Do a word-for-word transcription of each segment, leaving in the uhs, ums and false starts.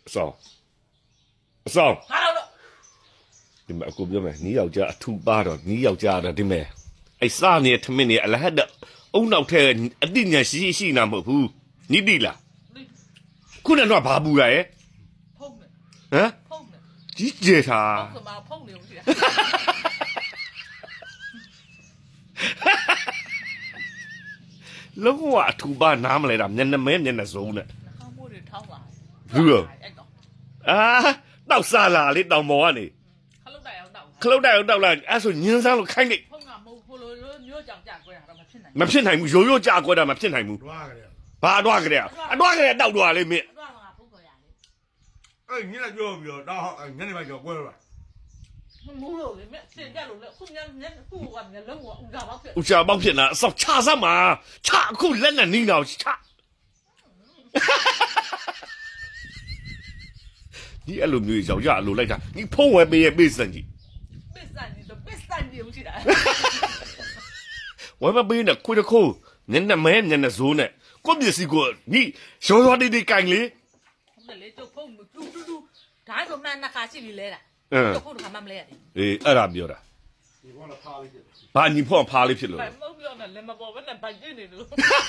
အဆောင်အဆောင်ဟာတော့ဒီမှာအခုပြောမယ်နီးယောက်ျားအထူပါတော့နီးယောက်ျားတော့ဒီမဲ့အဲ့စားနေထမင်းနေအလဟတ်အုံနောက်ထဲအတိညာရှိရှိနာမဟုတ်ဘူးနီးတိလားခုနကတော့ဘာပူရရဲ့ဖုံးနေဟမ်ဖုံးနေကြီးကျယ်တာဖုံးကမှဖုံးနေဦးစီလုံးဝအထူပါနားမလဲတာမျက်နှာမဲမျက်နှာစုံနဲ့ခေါင်းမိုးတွေထောင်းလာဘူးရောအဲ့တော့အာတောက်စားလာလေတောင်ပေါ်ကနေခလုတ်တိုင်အောင်တောက်ခလုတ်တိုက်အောင်တောက်လာအဲ့ဆိုညင်းစားလို့ခိုင်းလိုက်ဖုံးကမဟုတ်ဘူးလို့မျိုးကြောင်ကြကွဲတာတော့မဖြစ်နိုင်မဖြစ်နိုင်ဘူးရိုးရိုးကြာကွက်တာမဖြစ်နိုင်ဘူးတွားကြတယ်ဘာအတော့ကြတဲ့အတော့ကြတဲ့တောက်တော့လေမင်းဘူးတော့ငါဖုံးခေါ်ရလေအဲ့ညနေပြောပြီးတော့တောက်ညနေပိုင်းကျော်ကွဲတော့မူးလို့လေမစင်ကြလို့လေခုညညခုကညလုံးကဥစ္စာပေါက်ဖြစ်ဦးချာပေါက်ဖြစ်လာအစောက်ချစမ်းမှာချအခုလက်နဲ့နီးတော့ချဒီအလိုမျိုးရောက်ရအလိုလိုက်တာဒီဖုံးဝဲပေးရဲ့ပေးစံကြီးပစ္စံကြီးတော့ပစ္စံကြီးဦးစီတာဝဲမပေးနဲ့ခွေတခိုးညနေမဲညနေဇိုးနဲ့ကိုပစ္စည်းကိုဒီရောရောတေးတေးကင်လေဟုတ်တယ်လေကျုပ်ဖုံးတူတူတူဒါဆိုမှနှစ်ခါရှိပြီလဲတာကျုပ်ဖုံးတစ်ခါမှမလဲရတယ်အေးအဲ့ဒါပြောတာဒီကောလာဖားလေးဖြစ်ဘာညီဖော့ဖားလေးဖြစ်လို့ဘာမဟုတ်ပြောနဲ့လည်းမပေါ်ဘဲနဲ့ဗိုက်ကျနေလို့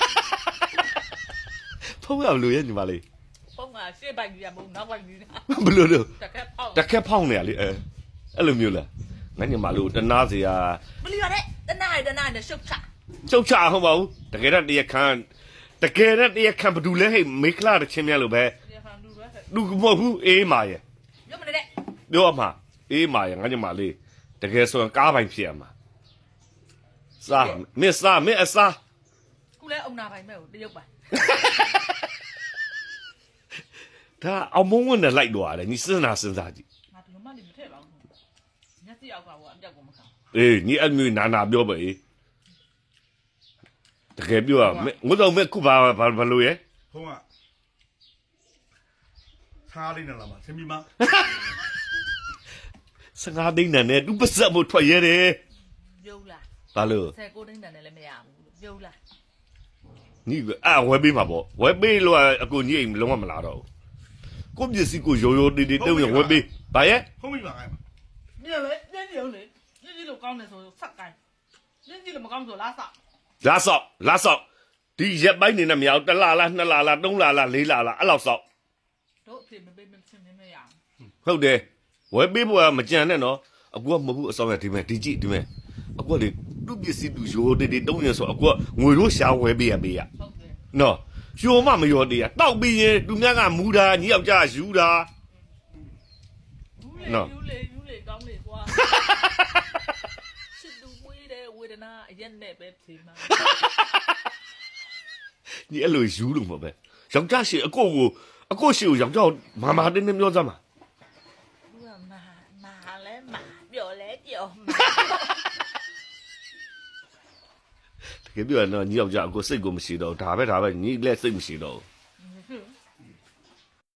ဖုံးရလို့ရဲ့ညီမလေးဖုံးကရှေ့ဗိုက်ကြီးကမဟုတ်နောက်ဗိုက်ကြီးဘလို့လို့တကက်ပေါက်တခက်ဖောင်းနေရလေအဲအဲ့လိုမျိုးလားငါညီမလို့တနာစရာဘလီရတဲ့တနားတနားနဲ့ရှုပ်ချချုပ်ချဟုတ်ပါဘူးတကယ်တော့တရားခံတကယ်တော့တရားခံဘယ်သူလဲဟဲ့မေခလာတချင်းများလို့ပဲဒီဖန်လူပဲလူမဟုတ်ဘူးအေးမာရဲ့ရုပ်မနေတဲ့ပြောမှာအေးမာရဲ့ငါညီမလေးတကယ်ဆိုရင်ကားပိုင်ဖြစ်ရမှာစားမင်းစားမင်းအစားခုလဲအုံနာပိုင်မဲ့ကိုတရုပ်ပိုင်ဒါအောင်မုန်းဝင်နဲ့လိုက်တော့ရတယ်ညီစဉ်းစားစဉ်းစားကြည့်ငါဒီလိုမှနေမထည့်ပါဘူးညက်စီအောက်ကကအပြောက်ကိုမခံအေးညီအမျိုးနာနာပြောပါအေးတကယ်ပြောရမင်းငုတော့မင်းခုဘာဘာဘလို့ရဲ့ဖုံးကစားလေးနဲ့လာမှာဆင်ပြီးမှစကားသိန်းနဲ့သူပါစက်ဖို့ထွက်ရဲတယ်ပြုံးလားဘာလို့ဆယ်ကိုသိန်းတန်နဲ့လည်းမရဘူးလို့ပြုံးလားညီအာဝဲပေးမှာပေါ့ဝဲပေးလို့အကိုညီအိမ်လုံးဝမလာတော့ဘူးကိုပစ္စည်းကိုရိုးရိုးတေးတေးတုံးရဝဲပေးဘာရဲ့ဖုံးပြီးမှခိုင်းမှာညလေညညုံလေညညလို့ကောင်းတယ်ဆိုဆက်ကိုင်းညညလို့မကောင်းဆိုလားဆောက်လာဆောက်လာဆောက်ဒီရက်ပိုင်းနေနဲ့မရဘူးတစ်လလားနှစ်လလားသုံးလလားလေးလလားအဲ့လောက်ဆောက်တို့အဖေမပေးမချင်းမရဘူးဟုတ်တယ်ဝဲပေးဖို့ကမကြံနဲ့နော်အကူကမဟုတ်ဘူးအဆောင်ရဒီမဲ့ဒီကြည့်ဒီမဲ့အကူကလေသူ့ပစ္စည်းသူရိုးတေးတေးတုံးရဆိုအကူကငွေလို့ရှာဝဲပေးရပေးရဟုတ်တယ်နော်ရိုးမမရောသေးရတောက်ပြီးရင်သူများကမူတာညီယောက်ျားယူတာယူလေယူလေယူလေကောင်းလေကွာစစ်သူမွေးတဲ့ဝေဒနာအရက်နဲ့ပဲဖြေမှာညီအဲ့လိုယူလို့မဟုတ်ပဲယောက်ျားရှိအကိုကိုအကိုရှိကိုယောက်ျားမာမာတင်းတင်းပြောစမ်းပါသူကမာမာလဲမာပျော်လဲပျော်မာတကယ်ပြောရတော့ညီယောက်ျားအကိုစိတ်ကိုမရှိတော့ဒါပဲဒါပဲညီလက်စိတ်မရှိတော့